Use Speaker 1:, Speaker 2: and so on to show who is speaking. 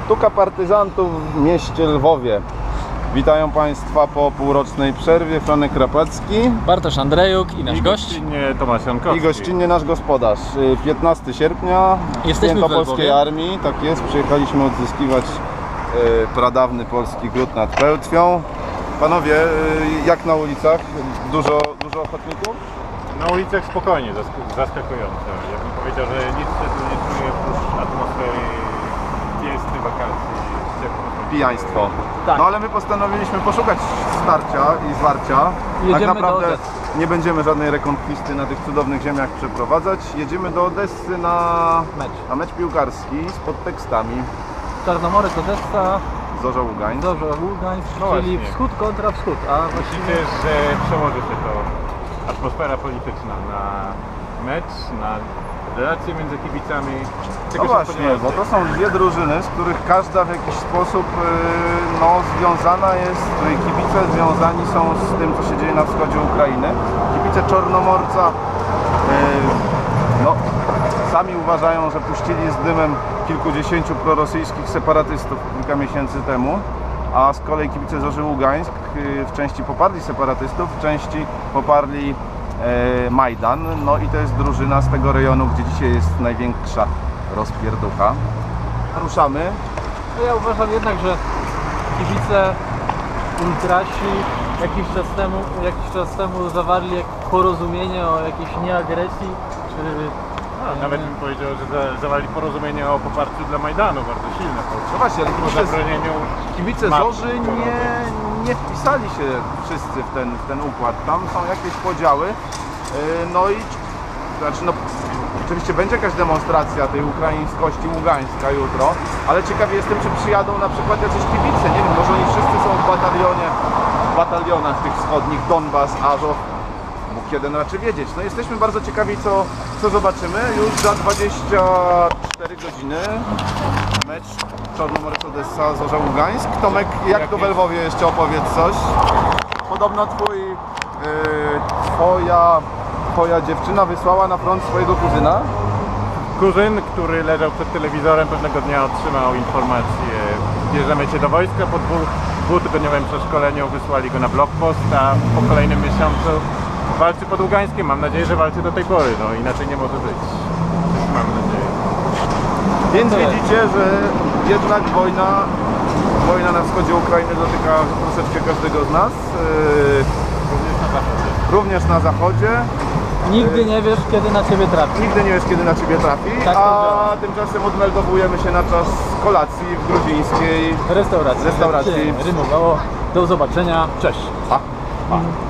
Speaker 1: Sztuka partyzantów w mieście Lwowie. Witają Państwa po półrocznej przerwie. Franek Krapacki,
Speaker 2: Bartosz Andrejuk i nasz gość.
Speaker 3: Gościnnie Tomasz Jankowski.
Speaker 1: i gościnnie nasz gospodarz. 15 sierpnia,
Speaker 2: Jesteśmy
Speaker 1: Święto
Speaker 2: w Lwowie.
Speaker 1: Polskiej Armii, tak jest. Przyjechaliśmy odzyskiwać pradawny polski gród nad Pełtwią. Panowie, jak na ulicach? Dużo ochotników?
Speaker 3: Na ulicach spokojnie, zaskakująco. Ja bym powiedział, że nic się tu nie czuje oprócz atmosfery pięsty, wakacji, ciepło.
Speaker 1: Pijaństwo.
Speaker 2: Tak.
Speaker 1: No ale my postanowiliśmy poszukać starcia i zwarcia.
Speaker 2: Jedziemy
Speaker 1: Tak naprawdę
Speaker 2: do Odessy.
Speaker 1: nie będziemy żadnej rekonkwisty na tych cudownych ziemiach przeprowadzać. Jedziemy do Odessy na mecz piłkarski z podtekstami
Speaker 2: Czarnomorec, Odessa,
Speaker 1: Zorza Ługań.
Speaker 2: Zorza Ługańsk,
Speaker 3: No
Speaker 2: czyli
Speaker 3: właśnie.
Speaker 2: wschód kontra wschód. A
Speaker 3: Myślicie, że przełoży się to atmosfera polityczna na mecz, na relacje między kibicami?
Speaker 1: No
Speaker 3: Czego się
Speaker 1: właśnie,
Speaker 3: spodziewacie?
Speaker 1: bo to są dwie drużyny, z których każda w jakiś sposób związana jest, której kibice związani są z tym, co się dzieje na wschodzie Ukrainy. Kibice Czarnomorca sami uważają, że puścili z dymem kilkudziesięciu prorosyjskich separatystów kilka miesięcy temu, a z kolei kibice Zorzy Ługańsk w części poparli separatystów, w części poparli Majdan. No i to jest drużyna z tego rejonu, gdzie dzisiaj jest największa rozpierducha. Ruszamy.
Speaker 2: No ja uważam jednak, że kibice ultrasi jakiś czas temu zawarli porozumienie o jakiejś nieagresji, czy
Speaker 3: Nawet bym powiedział, że zawarli porozumienie o poparciu dla Majdanu, bardzo silne.
Speaker 1: No właśnie, ale
Speaker 3: Po zabronieniu
Speaker 1: kibice
Speaker 3: marszy
Speaker 1: Zorzy nie wpisali się wszyscy w ten układ. Tam są jakieś podziały. Oczywiście będzie jakaś demonstracja tej ukraińskości Ługańska jutro, ale ciekawy jestem, czy przyjadą na przykład jacyś kibice. Nie wiem, może oni wszyscy są w batalionach tych wschodnich, Donbas, Azow. Bóg jeden raczy wiedzieć. No jesteśmy bardzo ciekawi, co zobaczymy. Już za 24 godziny mecz Czarnomorec Odessa, Zorza Ługańsk. Tomek, jak to w Lwowie jeszcze opowiedz coś? Podobno twoja dziewczyna wysłała na front swojego kuzyna.
Speaker 3: Kuzyn, który leżał przed telewizorem, pewnego dnia otrzymał informację: bierzemy cię do wojska. Po dwutygodniowym przeszkoleniu wysłali go na blokpost, a po kolejnym miesiącu walczy pod Ługańskiem. Mam nadzieję, że walczy do tej pory, no inaczej nie może być. Mam nadzieję.
Speaker 1: Więc widzicie, że jednak wojna na wschodzie Ukrainy dotyka troszeczkę każdego z nas. Również na zachodzie.
Speaker 2: nigdy nie wiesz, kiedy na ciebie trafi.
Speaker 1: Nigdy nie wiesz, kiedy na ciebie trafi,
Speaker 2: Tak to działa.
Speaker 1: a tymczasem odmeldowujemy się na czas kolacji w gruzińskiej
Speaker 2: Restauracji.
Speaker 1: Restauracji.
Speaker 2: Rymowało. Do zobaczenia. Cześć.
Speaker 1: Pa.